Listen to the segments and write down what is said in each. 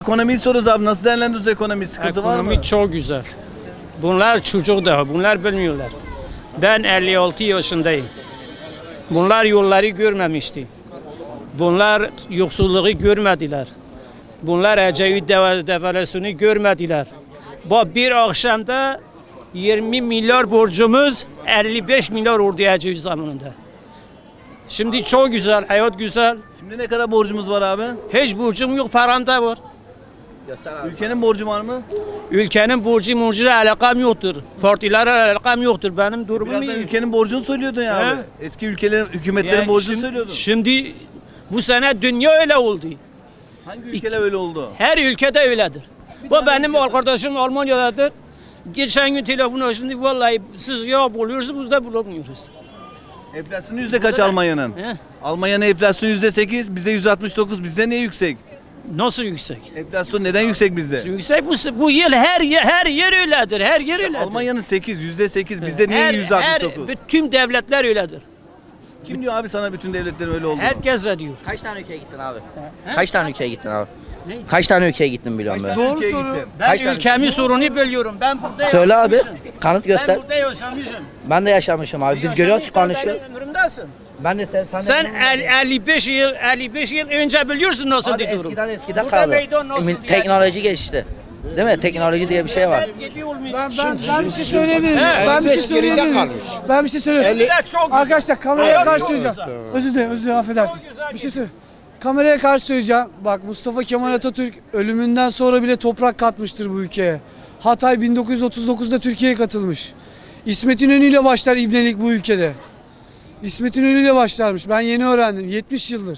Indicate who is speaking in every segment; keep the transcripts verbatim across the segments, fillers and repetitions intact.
Speaker 1: Ekonomiyi soruyoruz abi. Nasıl değerlendiriyoruz ekonomiyi? Sıkıntı var mı?
Speaker 2: Ekonomi çok güzel. Bunlar çocuk daha, bunlar bilmiyorlar. Ben elli altı yaşındayım. Bunlar yolları görmemişti. Bunlar yoksulluğu görmediler. Bunlar Ecevit devalüasyonu görmediler. Bu bir akşamda yirmi milyar borcumuz elli beş milyar oldu Ecevit zamanında. Şimdi çok güzel, hayat güzel.
Speaker 1: Şimdi ne kadar borcumuz var abi?
Speaker 2: Hiç borcum yok, param da var.
Speaker 1: Ülkenin borcu var mı?
Speaker 2: Ülkenin borcu borcuyla alakam yoktur. Partilerle alakam yoktur. Benim durumum
Speaker 1: Birazdan
Speaker 2: iyi.
Speaker 1: ülkenin borcunu söylüyordun ya
Speaker 2: He?
Speaker 1: abi. Eski ülkelerin, hükümetlerin
Speaker 2: Yani
Speaker 1: borcunu
Speaker 2: şimdi,
Speaker 1: söylüyordun.
Speaker 2: Şimdi bu sene dünya öyle oldu.
Speaker 1: Hangi ülkeler öyle oldu?
Speaker 2: Her ülkede öyledir. Bu benim arkadaşım Almanya'dadır. Geçen gün telefon açtı. Vallahi siz ya buluyorsunuz, biz de bulamıyoruz.
Speaker 1: Enflasyonu yüzde kaç Almanya'nın?
Speaker 2: He?
Speaker 1: Almanya'nın enflasyonu yüzde sekiz, bizde yüzde altmış dokuz. Bizde niye yüksek?
Speaker 2: Nasıl yüksek?
Speaker 1: Enflasyon neden yüksek bizde?
Speaker 2: Yüksek bu, bu yıl her yer, her yer öyledir. Her yer öyledir.
Speaker 1: Almanya'nın sekiz, yüzde sekiz. Bizde niye
Speaker 2: her,
Speaker 1: yüzde altmış
Speaker 2: her,
Speaker 1: dokuz?
Speaker 2: bütün devletler öyledir.
Speaker 1: Kim diyor abi sana bütün devletlerin öyle olduğunu?
Speaker 2: Herkes de diyor.
Speaker 3: Kaç tane ülkeye gittin abi? Kaç tane ülkeye gittin abi?
Speaker 2: Ne?
Speaker 3: Kaç tane ülkeye gittin biliyorum ben.
Speaker 1: Doğru soru.
Speaker 2: Ben
Speaker 3: Kaç tane-
Speaker 2: ülkemin sorunu biliyorum. Ben burada
Speaker 3: Söyle abi.
Speaker 2: yaşamışım.
Speaker 3: Kanıt göster.
Speaker 2: Ben burada yaşamışım.
Speaker 3: Ben de yaşamışım abi. Biz görüyoruz ki konuşuyoruz.
Speaker 2: Benim ömrümdesin.
Speaker 3: Ben de sen sen, de
Speaker 2: Sen
Speaker 3: benim-
Speaker 2: el- elli beş yıl elli beş yıl önce biliyorsun nasıl
Speaker 3: abi
Speaker 2: bir durum.
Speaker 3: eskiden eskiden
Speaker 2: Burada
Speaker 3: kaldı.
Speaker 2: meydan nasıl
Speaker 3: Emin-
Speaker 2: diye-
Speaker 3: Teknoloji geçti. Değil mi? Teknoloji diye bir şey var.
Speaker 2: Gibi olmuş.
Speaker 4: Ben, ben, ben bir şey söyleyebilirim.
Speaker 2: He.
Speaker 4: Ben bir şey
Speaker 5: elli beş geride
Speaker 4: söyleyebilirim.
Speaker 5: kalmış.
Speaker 4: Ben bir şey söyleyebilirim.
Speaker 2: Güzel, çok güzel.
Speaker 4: Arkadaşlar kameraya
Speaker 2: Çok
Speaker 4: karşı
Speaker 2: güzel.
Speaker 4: söyleyeceğim. Özür dilerim, özür dilerim affedersiniz.
Speaker 2: Çok güzel
Speaker 4: Bir şey söyle. Kameraya karşı söyleyeceğim. Bak Mustafa Kemal Atatürk ölümünden sonra bile toprak katmıştır bu ülkeye. Hatay bin dokuz yüz otuz dokuzda Türkiye'ye katılmış. İsmet İnönü ile başlar ibnelik bu ülkede. İsmet İnönü ile başlarmış. Ben yeni öğrendim. yetmiş yıldır.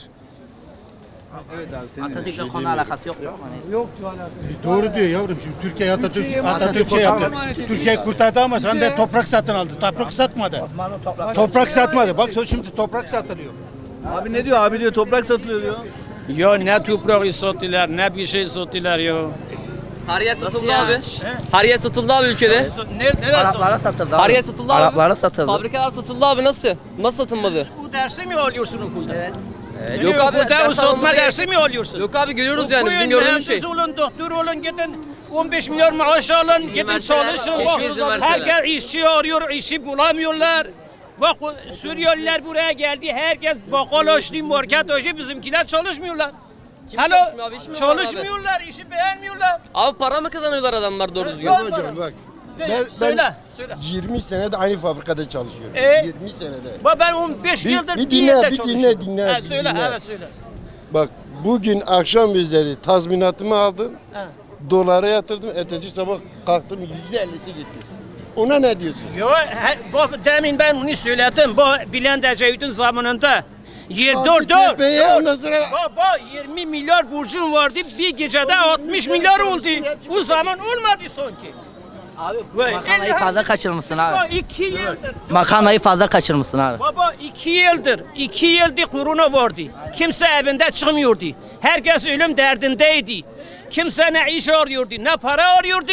Speaker 1: Evet abi senin.
Speaker 3: Atatürk'le konu alakası yok mu?
Speaker 4: Yoktu alakası.
Speaker 5: Doğru diyor yavrum. Şimdi Türkiye Atatürk
Speaker 4: Türkiye'yi
Speaker 5: Atatürk şey yaptı.
Speaker 4: Atatürk
Speaker 5: Türkiye kurtardı ama sen de toprak satın aldı. Toprak satmadı. Toprak satmadı. Bak şimdi toprak satılıyor.
Speaker 1: Abi ne diyor? Abi diyor toprak satılıyor diyor.
Speaker 2: Ya ne toprağı sattılar ne bir şey sattılar ya.
Speaker 6: Her yer satıldı abi. Her yer satıldı abi ülkede.
Speaker 2: Nerede neresi?
Speaker 3: Araplara satıldı abi.
Speaker 6: Her yer satıldı abi.
Speaker 3: Araplara satıldı.
Speaker 6: Fabrikalar satıldı abi nasıl? Nasıl satılmadı?
Speaker 2: Bu dersi mi alıyorsun okulda? Evet.
Speaker 6: Yok abi,
Speaker 2: Okulda
Speaker 6: ders
Speaker 2: o satma
Speaker 6: almamıza
Speaker 2: dersi mi alıyorsun?
Speaker 6: Yok abi görüyoruz yani
Speaker 2: Okuyun,
Speaker 6: bizim gördüğümüz şey.
Speaker 2: mühendis olun, doktor olun, gidin on beş milyar maaş alın, gidin
Speaker 6: verseler,
Speaker 2: çalışın.
Speaker 6: keşke
Speaker 2: Bak,
Speaker 6: izin verseler.
Speaker 2: herkes işçi arıyor, işi bulamıyorlar. Bak o Suriyeliler buraya geldi, herkes bakkal açtı, market açtı, bizimkiler çalışmıyorlar.
Speaker 6: Kim
Speaker 2: Alo,
Speaker 6: çalışmıyor abi? Hiç mi var abi?
Speaker 2: çalışmıyorlar, işi beğenmiyorlar.
Speaker 6: Abi para mı kazanıyorlar adamlar doğru düzgün?
Speaker 2: Yok.
Speaker 5: Hocam bak.
Speaker 2: Ben,
Speaker 5: Ben,
Speaker 2: söyle,
Speaker 5: ben
Speaker 2: söyle.
Speaker 5: yirmi senede aynı fabrikada çalışıyorum.
Speaker 2: E?
Speaker 5: yirmi senede.
Speaker 2: Bak ben on beş
Speaker 5: Bir-
Speaker 2: yıldır
Speaker 5: bir
Speaker 2: bir
Speaker 5: dinle,
Speaker 2: yerde
Speaker 5: bir
Speaker 2: çalışıyorum.
Speaker 5: dinle, dinle,
Speaker 2: Ha,
Speaker 5: bir
Speaker 2: söyle,
Speaker 5: dinle.
Speaker 2: evet söyle.
Speaker 5: Bak bugün akşam üzeri tazminatımı aldım.
Speaker 2: Ha.
Speaker 5: Dolara yatırdım. Ertesi sabah kalktım yüzde ellisi gitti. Ona ne diyorsun?
Speaker 2: Yo, he- bak demin ben onu söyledim. Bu Bülent Ecevit'in zamanında. Yer
Speaker 5: Abi,
Speaker 2: dur dur.
Speaker 5: tepeye
Speaker 2: dur.
Speaker 5: ondan sonra-
Speaker 2: Baba yirmi milyar borcum vardı. Bir gecede altmış milyar oldu. Bu zaman olmadı sanki.
Speaker 3: Abi
Speaker 2: Vay,
Speaker 3: makarnayı
Speaker 2: elli-
Speaker 3: fazla kaçırmışsın
Speaker 2: Baba
Speaker 3: abi.
Speaker 2: iki yıldır.
Speaker 3: Makarnayı fazla kaçırmışsın abi.
Speaker 2: Baba iki yıldır. iki yıldır korona vardı. Kimse evinde çıkmıyordu. Herkes ölüm derdindeydi. Kimse ne iş arıyordu, ne para arıyordu.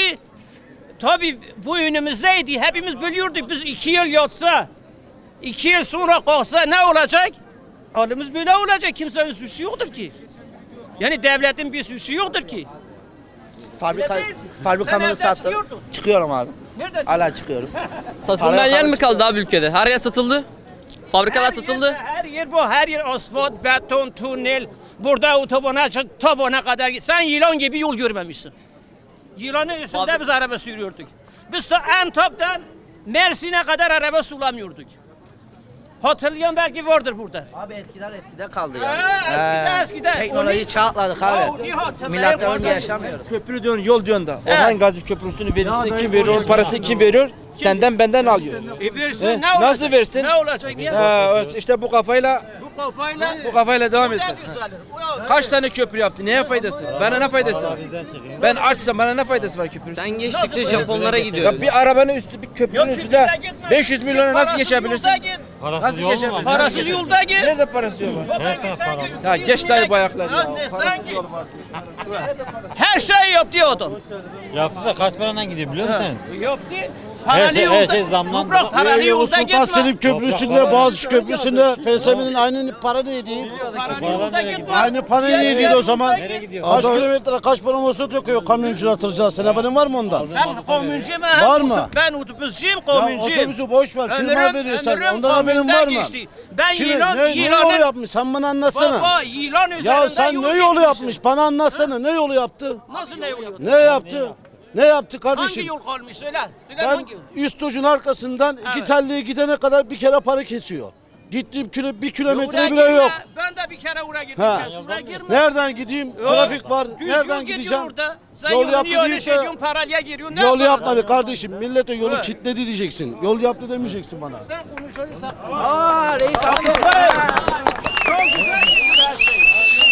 Speaker 2: Tabii bu önümüzdeydi. Hepimiz biliyorduk. Biz iki yıl yatsa, iki yıl sonra kalksa ne olacak? Halimiz böyle olacak. Kimsenin suçu yoktur ki. Yani devletin bir suçu yoktur ki.
Speaker 3: Fabrika
Speaker 2: Öyle değil. Sen
Speaker 3: fabrikamı
Speaker 2: evden
Speaker 3: sattım.
Speaker 2: çıkıyordun.
Speaker 3: Çıkıyorum abi.
Speaker 2: Nerede?
Speaker 3: Hala çıkıyorum.
Speaker 6: Satılmayan
Speaker 3: Paraya
Speaker 6: yer
Speaker 3: para
Speaker 6: mi kaldı abi ülkede? Her yer satıldı. Fabrikalar
Speaker 2: Her
Speaker 6: satıldı.
Speaker 2: yer, her yer bu. Her yer asfalt, beton, tünel. Burada otobana, çık- tavana kadar. git. Sen yılan gibi yol görmemişsin. Yılanın üstünde
Speaker 6: Fabri-
Speaker 2: biz araba sürüyorduk. Biz de Antep'ten Mersin'e kadar araba sulamıyorduk. Hatırlayan belki vardır burada.
Speaker 3: Abi eskiden eskiden kaldı ya.
Speaker 2: Ha, eskiden,
Speaker 3: He.
Speaker 2: eskiden.
Speaker 3: Teknolojiyi
Speaker 2: Onu-
Speaker 3: çağatladık
Speaker 2: Ya,
Speaker 3: abi.
Speaker 2: onu hatırlayın
Speaker 3: Milattan önce
Speaker 2: kardeşim.
Speaker 3: yaşamıyoruz.
Speaker 7: Köprü diyorsun, yol diyorsun da.
Speaker 2: He.
Speaker 7: Orhan Gazi Köprüsü'nün vergisini kim veriyor, onun parasını kim veriyor? Senden benden alıyor.
Speaker 2: E versin,
Speaker 7: He,
Speaker 2: ne olacak?
Speaker 7: nasıl versin?
Speaker 2: Ne olacak ya?
Speaker 7: Ha, işte bu kafayla
Speaker 2: Bu kafayla.
Speaker 7: bu kafayla devam etsin.
Speaker 2: Güzel güzel. Ya,
Speaker 7: Kaç tane köprü yaptı? Neye faydası? Bana ne faydası var? Ben açsam bana ne faydası var köprü?
Speaker 6: Sen geçtikçe Japonlara
Speaker 7: Ya
Speaker 6: gidiyor.
Speaker 7: bir arabanın üstü, bir köprünün
Speaker 2: Yok,
Speaker 7: üstünde
Speaker 2: köprüde gitme.
Speaker 7: beş yüz milyona nasıl
Speaker 2: Parasız
Speaker 7: geçebilirsin?
Speaker 2: yolda git.
Speaker 7: Nasıl geçebilirsin?
Speaker 2: Parasız yolda git.
Speaker 7: Nerede parası yok?
Speaker 2: Baba, geçen gün
Speaker 7: Ya
Speaker 2: İzmir'e
Speaker 7: geç dayı bu
Speaker 2: git.
Speaker 7: ayakları ya.
Speaker 2: Anne,
Speaker 7: Parasız
Speaker 2: sen git.
Speaker 7: yol var.
Speaker 2: Her şeyi yaptı adam.
Speaker 8: Yaptı da kaç paradan gidiyor biliyor musun?
Speaker 2: Yaptı. Paralı
Speaker 8: şey- her
Speaker 2: yolda-
Speaker 8: şey zamlandı.
Speaker 2: Toprak paralı
Speaker 5: Yavuz
Speaker 2: yolda
Speaker 5: Sultan
Speaker 2: gitme.
Speaker 5: Selim Köprüsü'nde, Boğaziçi Köprüsü'nde F S M'nin aynı para neydi?
Speaker 2: Paralı yolda gitme.
Speaker 5: Aynı para
Speaker 2: Diğer
Speaker 5: neydi
Speaker 2: yolda
Speaker 5: o zaman?
Speaker 2: gitme.
Speaker 5: Kaç kilometre, kaç para mosot yakıyor kamyoncular, tırcılar? Senin haberin var mı ondan?
Speaker 2: Ben komüncüyüm.
Speaker 5: Var mı?
Speaker 2: Ben otobüscüyüm,
Speaker 5: Ya
Speaker 2: komüncüyüm.
Speaker 5: otobüsü boş ver, firma
Speaker 2: Ömrüm-
Speaker 5: veriyorsan.
Speaker 2: ömrüm
Speaker 5: Ondan haberin var
Speaker 2: komünden
Speaker 5: mı?
Speaker 2: geçti. Ben
Speaker 5: Kimi,
Speaker 2: yılan,
Speaker 5: ne, ne
Speaker 2: yılanın-
Speaker 5: yolu yapmış? Sen bana anlatsana.
Speaker 2: Baba yılan üzerinde
Speaker 5: Ya sen
Speaker 2: yol
Speaker 5: ne yolu
Speaker 2: geçmişsin.
Speaker 5: yapmış? Bana anlatsana. Ne yolu yaptı?
Speaker 2: Nasıl ne yol yaptı?
Speaker 5: Ne yaptı? Ne yaptı
Speaker 2: Hangi
Speaker 5: kardeşim?
Speaker 2: yol kalmış söyle. Söyle
Speaker 5: Ben
Speaker 2: hangi yol?
Speaker 5: üst ucun arkasından
Speaker 2: Evet.
Speaker 5: Gitelli'ye gidene kadar bir kere para kesiyor. Gittiğim kilo, bir
Speaker 2: Oraya
Speaker 5: kilometre bile
Speaker 2: girme.
Speaker 5: yok.
Speaker 2: Ben de bir kere oraya gittim.
Speaker 5: Ha.
Speaker 2: Sen oraya girme.
Speaker 5: Nereden gideyim?
Speaker 2: Yok.
Speaker 5: Trafik var.
Speaker 2: Düz
Speaker 5: Nereden
Speaker 2: yol gidiyor
Speaker 5: gideceğim?
Speaker 2: orada. Sen
Speaker 5: Yol
Speaker 2: yol
Speaker 5: yaptı
Speaker 2: yaptı
Speaker 5: deyince-
Speaker 2: şey diyorsun, paralaya giriyorsun. Ne
Speaker 5: Yol
Speaker 2: yapacaksın?
Speaker 5: yapmadı kardeşim. Millete yolu
Speaker 2: Evet.
Speaker 5: kilitledi diyeceksin. Yol yaptı demeyeceksin bana.
Speaker 2: Sen konuşuyorsan.
Speaker 3: Aa reis abi.
Speaker 2: Çok güzel bir şey.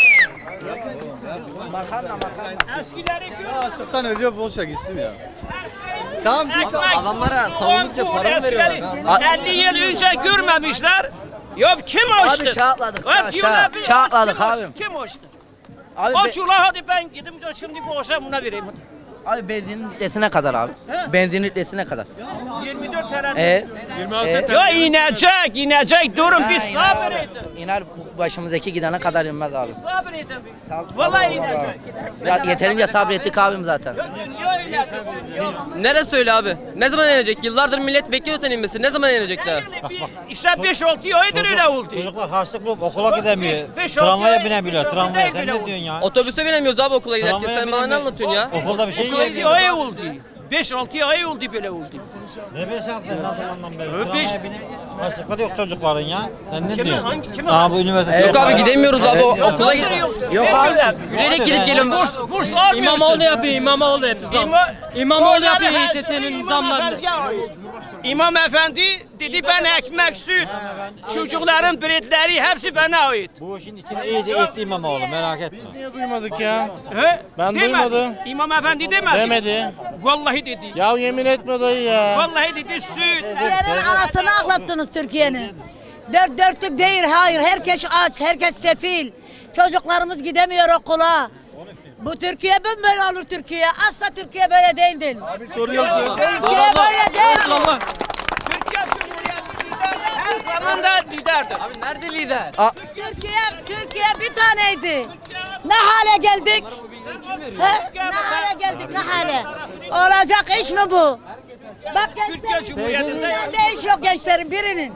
Speaker 3: Makarna makarna.
Speaker 2: Eskileri gör.
Speaker 9: Açlıktan ölüyor boş ver gitsin ya. Tamam.
Speaker 6: adamlara savundukça para mı veriyorlar?
Speaker 2: elli yıl önce görmemişler. Ya kim açtı?
Speaker 3: Abi çağatladık,
Speaker 2: Hep
Speaker 3: çağ-
Speaker 2: diyorlar
Speaker 3: çağ-
Speaker 2: bir-
Speaker 3: çağatladık
Speaker 2: kim açtı?
Speaker 3: abim.
Speaker 2: Kim açtı?
Speaker 3: Abi,
Speaker 2: Aç
Speaker 3: be-
Speaker 2: ula hadi ben gidip de şimdi bu akşam buna vereyim.
Speaker 3: abi benzinin litresine kadar abi.
Speaker 2: He?
Speaker 3: Benzin litresine kadar.
Speaker 2: yirmi dört T L.
Speaker 3: E, e,
Speaker 2: Ya inecek, inecek. Durun bir
Speaker 3: Ha,
Speaker 2: sabır
Speaker 3: iner-
Speaker 2: edin.
Speaker 3: İner bu başımızdaki gidene kadar inmez abi.
Speaker 2: Sabır edin.
Speaker 3: Sab-
Speaker 2: Vallahi
Speaker 3: sabır
Speaker 2: inecek.
Speaker 3: abi. Ya, yeterince sabrettik abim zaten.
Speaker 2: Ya dünya inecek. Dünya.
Speaker 6: Neresi öyle abi? Ne zaman inecek? Yıllardır millet bekliyor sen inmesi. Ne zaman inecekler?
Speaker 2: Yani bir- İşte beş altı aydır öyle oldu.
Speaker 8: Çocuklar harçlıklı okula gidemiyor.
Speaker 2: Beş- beş, altı
Speaker 8: Tramvaya
Speaker 2: ay-
Speaker 8: binemiyorlar.
Speaker 2: beş, altı
Speaker 8: Tramvaya
Speaker 2: ay
Speaker 8: sen
Speaker 2: bile
Speaker 8: ne
Speaker 2: oldu.
Speaker 8: diyorsun ya?
Speaker 6: Otobüse binemiyoruz abi okula giderken.
Speaker 8: Tramvaya
Speaker 6: Sen bana ne
Speaker 8: binemiyor.
Speaker 6: anlatıyorsun ya?
Speaker 8: Okulda bir şey
Speaker 2: Okula
Speaker 8: yiyemiyor.
Speaker 2: ay oldu. beş altı ay oldu böyle oldu.
Speaker 8: Ne beş altı nasıl anlam beri?
Speaker 2: Ö, beş-
Speaker 8: Tramvaya binip harçlıkları yok çocukların ya. Sen ne
Speaker 2: Kimin,
Speaker 8: diyorsun?
Speaker 2: hangi- kimin?
Speaker 8: Aa bu üniversite.
Speaker 6: Yok abi gidemiyoruz abi o- okula
Speaker 2: Nasıl
Speaker 6: git.
Speaker 2: yok?
Speaker 3: Yok
Speaker 2: Vermiyorlar.
Speaker 6: Yürüyerek gidip geliyorum.
Speaker 2: Burs, burs almıyorsun.
Speaker 10: İmamoğlu yapıyor, İmamoğlu yapıyor zam.
Speaker 2: İma-
Speaker 10: İmamoğlu
Speaker 2: Onları
Speaker 10: yapıyor
Speaker 2: her
Speaker 10: İETT'nin
Speaker 2: şeyi İmam
Speaker 10: zamlarını.
Speaker 2: Efendi'ye ait. İmam Efendi dedi ben ekmek, süt, çocukların biletleri hepsi bana ait.
Speaker 8: Bu işin içine iyice etti İmamoğlu merak etme.
Speaker 9: Niye duymadık ya?
Speaker 2: He?
Speaker 9: Ben
Speaker 2: Demedi.
Speaker 9: duymadım.
Speaker 2: İmam Efendi demedi.
Speaker 9: Demedi.
Speaker 2: Vallahi dedi.
Speaker 9: Ya yemin etme dayı ya.
Speaker 2: Vallahi dedi süt.
Speaker 11: Türkiye'nin anasını ağlattınız Türkiye'nin. Dört dörtlük değil, hayır. Herkes aç, herkes sefil. Çocuklarımız gidemiyor okula. Bu Türkiye böyle olur Türkiye. Asla Türkiye böyle değildir.
Speaker 5: Soru yok diyor.
Speaker 11: Türkiye böyle değil.
Speaker 2: Türkiye Cumhuriyeti lider her zaman da liderdir.
Speaker 6: Abi nerede lider?
Speaker 11: Türkiye, Türkiye bir taneydi. Ne hale geldik? He? Ne hale geldik, ne hale? Olacak iş mi bu? Bak
Speaker 2: Türkiye
Speaker 11: gençlerin,
Speaker 2: Cumhuriyeti'nde
Speaker 11: ne iş yok gençlerin birinin.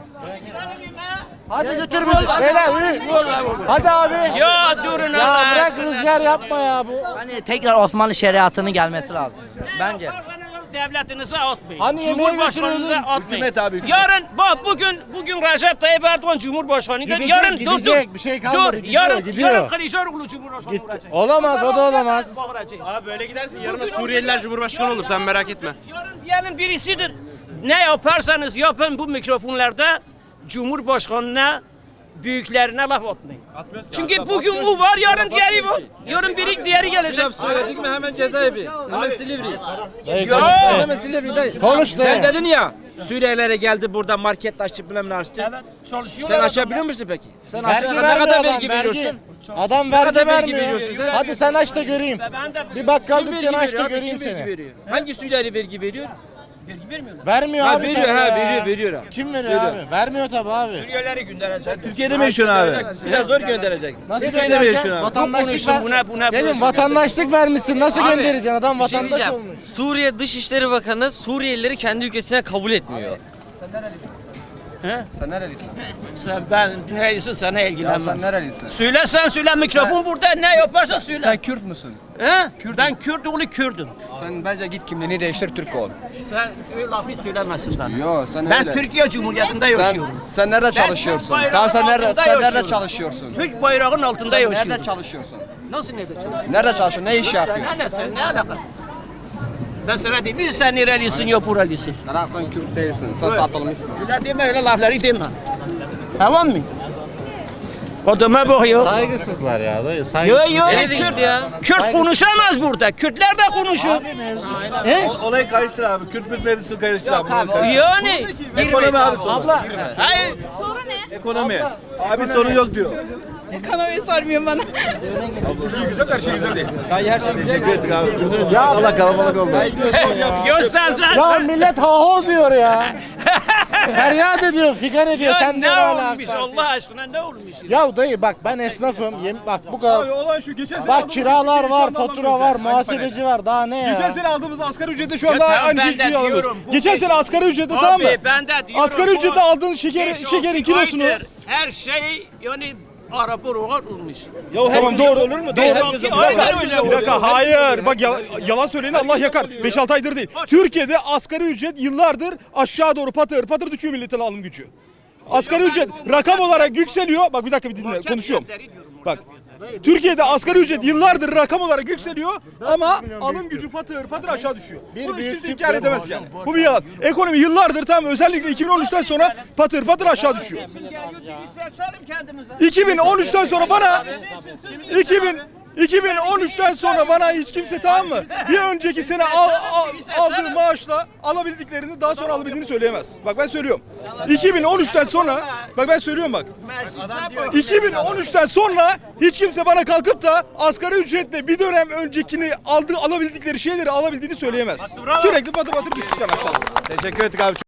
Speaker 9: Hadi götür bizi. Beyler hadi abi.
Speaker 2: Ya durun
Speaker 9: Ya
Speaker 2: Allah
Speaker 9: bırak
Speaker 2: aşkına.
Speaker 9: rüzgar yapma ya bu.
Speaker 3: Hani tekrar Osmanlı şeriatının gelmesi lazım. Bence.
Speaker 2: Devletinize atmayın.
Speaker 9: Hani yemeğe
Speaker 2: Cumhurbaşkanınıza
Speaker 9: götürüyordun?
Speaker 2: atmayın.
Speaker 1: Hükümet abi, hükümet.
Speaker 2: Yarın bak bugün bugün Recep Tayyip Erdoğan Cumhurbaşkanı'ydı.
Speaker 9: Gidecek,
Speaker 2: Yarın
Speaker 9: gidecek.
Speaker 2: dur,
Speaker 9: Bir şey
Speaker 2: dur,
Speaker 9: kalmadı.
Speaker 2: dur.
Speaker 9: Gidiyor,
Speaker 2: yarın,
Speaker 9: gidiyor.
Speaker 2: Yarın Kılıçdaroğlu Cumhurbaşkanı
Speaker 9: Gitti.
Speaker 2: olacak.
Speaker 9: Olamaz, o da olamaz.
Speaker 2: Bağıracağız.
Speaker 7: Abi böyle gidersin yarın Suriyeliler Cumhurbaşkanı olur sen merak etme.
Speaker 2: Yarın diyelim birisidir. Ne yaparsanız yapın bu mikrofonlarda Cumhurbaşkanına büyüklerine laf atmayın. Çünkü bugün bu var, yarın diğeri var. Yarın biri diğeri gelecek.
Speaker 7: Söyledik mi hemen cezaevi. Hemen Silivri.
Speaker 2: Ya.
Speaker 7: Hemen Silivri dayı.
Speaker 9: Konuş
Speaker 7: Sen
Speaker 9: be.
Speaker 7: dedin ya Suriyelilere geldi burada market açtı bilmem ne açtı.
Speaker 2: Evet, çalışıyorlar.
Speaker 7: Sen açabiliyor musun peki? Sen
Speaker 9: Vergi
Speaker 7: aşağı ne
Speaker 9: vermiyor
Speaker 7: kadar
Speaker 9: adam,
Speaker 7: vergi
Speaker 9: vergi.
Speaker 7: veriyorsun?
Speaker 9: Adam
Speaker 7: kadar
Speaker 9: vergi
Speaker 7: vergi
Speaker 9: vermiyor.
Speaker 7: veriyorsun sen?
Speaker 9: Hadi sen aç da göreyim.
Speaker 2: Ben de
Speaker 9: Bir bakkal
Speaker 7: Kim
Speaker 9: dükkanı
Speaker 7: vergi
Speaker 9: aç da
Speaker 7: veriyor abi?
Speaker 9: göreyim
Speaker 7: Kim vergi
Speaker 9: seni.
Speaker 7: veriyor? Hangi Suriyeli vergi veriyor?
Speaker 2: vergi vermiyorlar.
Speaker 9: Vermiyor
Speaker 7: Ha,
Speaker 9: abi
Speaker 7: veriyor,
Speaker 9: tabii
Speaker 7: ha,
Speaker 9: ya.
Speaker 7: veriyor, veriyor abi.
Speaker 9: Kim veriyor abi? Vermiyor tabii abi.
Speaker 2: Suriyelileri gönderecek.
Speaker 1: Türkiye'de mi yaşıyorsun abi?
Speaker 7: Biraz zor gönderecek.
Speaker 9: Nasıl
Speaker 1: Türkiye'de mi
Speaker 9: göndereceksin?
Speaker 1: yaşıyorsun abi?
Speaker 9: Vatandaşlık
Speaker 2: konuşsun,
Speaker 9: ver.
Speaker 2: buna- buna
Speaker 9: Gelin
Speaker 2: konuşsun.
Speaker 9: vatandaşlık vermişsin. Nasıl
Speaker 6: Abi,
Speaker 9: göndereceksin? Adam
Speaker 6: Bir şey
Speaker 9: vatandaş
Speaker 6: diyeceğim.
Speaker 9: olmuş.
Speaker 6: Suriye Dışişleri Bakanı Suriyelileri kendi ülkesine kabul etmiyor.
Speaker 2: He?
Speaker 9: Sen nerelisin?
Speaker 2: Sen, ben neyse sana ilgilenmem.
Speaker 9: nerelisin?
Speaker 2: Söyle sen söyle mikrofon burada ne yaparsan söyle.
Speaker 9: Kürt müsün?
Speaker 2: He? Ben Kürt oğlu Kürdüm.
Speaker 9: Sen bence git kimliğini değiştir Türk ol.
Speaker 2: Sen öyle lafı söylemesin bana.
Speaker 9: Yo sen
Speaker 2: Ben Türkiye Cumhuriyeti'nde yaşıyorum.
Speaker 9: sen nerede
Speaker 2: çalışıyorsun? Türk bayrağının Tamam, sen nerede- altında sen nerede yaşıyorum.
Speaker 9: çalışıyorsun?
Speaker 2: Türk bayrağının altında yaşıyorum.
Speaker 9: çalışıyorsun?
Speaker 2: Nasıl nerede çalışıyorsun?
Speaker 9: Nerede çalışıyorsun? Ne iş
Speaker 2: Sen ne sen ne alaka? Ben sana diyeyim mi sen nerelisin yok buralısın.
Speaker 9: Lan sen Kürt değilsin. Sen
Speaker 2: Evet.
Speaker 9: satılmışsın.
Speaker 2: Öyle deme öyle lafları deme. Tamam mı? Odama bakıyor.
Speaker 9: Saygısızlar ya dayı.
Speaker 2: Yo
Speaker 9: Saygısız.
Speaker 2: yo
Speaker 6: Nereye
Speaker 2: Kürt,
Speaker 6: gitti ya?
Speaker 2: Kürt konuşamaz burada. Kürtler de konuşuyor. He?
Speaker 1: Olayı karıştır abi. Kürt Kürt mevzusunu karıştır abi.
Speaker 2: Yani
Speaker 1: Ekonomi abi sorun.
Speaker 9: Abla.
Speaker 2: hayır
Speaker 1: Ekonomi. Abi sorun yok diyor.
Speaker 11: Ekonomiyi sormuyor bana.
Speaker 1: Allah kalabalık oldu.
Speaker 2: Ya
Speaker 5: millet ha ho diyor ya. Feryat ediyor, figan ediyor. Sen
Speaker 2: ne olmuş Allah aşkına ne olmuş?
Speaker 5: Ya dayı bak ben esnafım. Yem, bak bu kadar.
Speaker 12: Olan şu geçen sene
Speaker 5: Bak kiralar var, fatura var, muhasebeci var. Daha ne ya?
Speaker 12: Geçen sene aldığımız asgari ücrete şu anda
Speaker 2: Ya tamam,
Speaker 12: aynı
Speaker 2: ben
Speaker 12: şeyi
Speaker 2: de
Speaker 12: alıyoruz.
Speaker 2: diyorum, bu
Speaker 12: Geçen
Speaker 2: beş-
Speaker 12: sene asgari ücrete tamam mı?
Speaker 2: Abi ben de diyorum.
Speaker 12: Asgari
Speaker 2: bu
Speaker 12: ücrete aldığın şeker,
Speaker 2: beş,
Speaker 12: şekerin
Speaker 2: altı
Speaker 12: kilosunu.
Speaker 2: aydır Her şey yani araba ruhat olmuş.
Speaker 7: Ya her
Speaker 12: Tamam,
Speaker 7: gün
Speaker 12: doğru.
Speaker 7: olur mu?
Speaker 2: Beş,
Speaker 7: Doğru.
Speaker 2: altı
Speaker 7: Herkes
Speaker 2: aydır
Speaker 7: olur.
Speaker 2: öyle
Speaker 12: Bir
Speaker 2: oluyor.
Speaker 12: dakika hayır. Bak yalan, yalan söyleyeni Allah yakar. beş altı aydır değil. Türkiye'de asgari ücret yıllardır aşağı doğru patır patır düşüyor milletin alım gücü. Asgari ücret rakam olarak yükseliyor. Bak bir dakika bir dinle konuşuyorum. Bak Türkiye'de asgari ücret yıllardır rakam olarak yükseliyor ama alım gücü patır patır aşağı düşüyor. Bunu hiç kimse inkar edemez yani. Bu bir yalan. Ekonomi yıllardır tam özellikle iki bin on üçten sonra patır patır aşağı düşüyor. iki bin on üçten sonra bana iki bin iki bin on üçten sonra bana hiç kimse tamam mı? Bir önceki sene al, al, aldığı maaşla alabildiklerini daha sonra alabildiğini söyleyemez. Bak ben söylüyorum. iki bin on üçten sonra bak ben söylüyorum bak. iki bin on üçten sonra hiç kimse bana kalkıp da asgari ücretle bir dönem öncekini aldığı alabildikleri şeyleri alabildiğini söyleyemez. Sürekli batır batır düştükten aşağı.
Speaker 1: Teşekkür ettik abi.